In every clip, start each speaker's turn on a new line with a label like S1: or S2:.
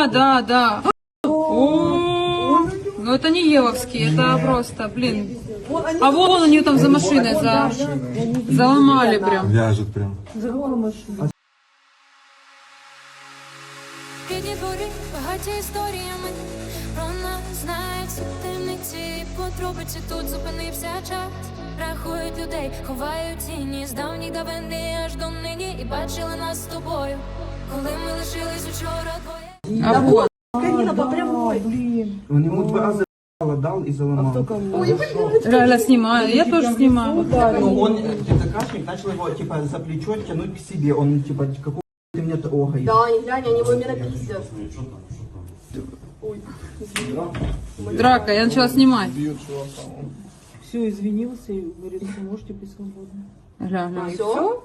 S1: Да. О, ну это не Евовский, это просто, блин. А вон они там за машиной заломали прям.
S2: Вяжет прям.
S3: Бідні дворі, багаті історіями, про нас знають всі темниці, подробиці тут зупинився час. Рахують людей, ховають тіні з давніх давини аж до нині. І бачили нас з тобою, коли ми лишились учора двоє.
S1: А вот.
S4: Канина по прямой. Блин.
S5: Он ему 2 раза дал и заломал.
S1: Реально снимаю, я тоже снимаю.
S5: Ну, он, ТЦКшник, начал его, типа, за плечо тянуть к себе. Он, типа, какого ты меня трогаешь?
S4: Да, не глянь, они его именно пиздят.
S1: Драка, я начала снимать.
S6: Все, извинился и говорит, что можете быть свободны.
S1: Гля.
S4: Все?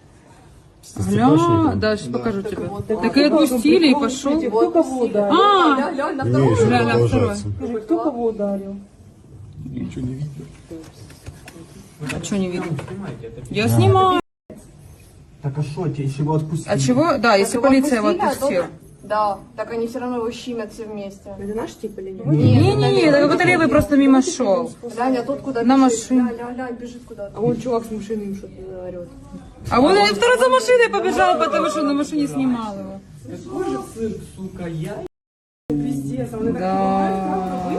S1: Гля, да, сейчас покажу тебе. Так и отпустили, и пошел.
S6: Кто кого ударил?
S1: А,
S4: Глянь, на
S2: Не,
S4: втором.
S2: еще
S1: Гля, второй.
S2: продолжается.
S6: Скажи, кто кого ударил?
S2: Ничего не видно.
S1: А что не видно? Я снимаю.
S5: Так а что, тебе еще его отпустили?
S1: А чего? Да, если
S4: его
S1: полиция его
S4: отпустили, а
S1: отпустила.
S4: Да, так они все равно его щемят все вместе.
S6: Это наш тип или нет?
S1: Не, так какой-то левый просто мимо шел.
S4: Глянь, а тут куда
S1: На
S4: бежит?
S1: машине.
S4: Глянь, бежит куда-то.
S6: А вон чувак с машины им что-то орет.
S1: А вот я второй за машиной побежал, потому что на машине снимал его.
S5: Какой же цирк, сука, я?
S6: Пиздец, а он
S1: Да.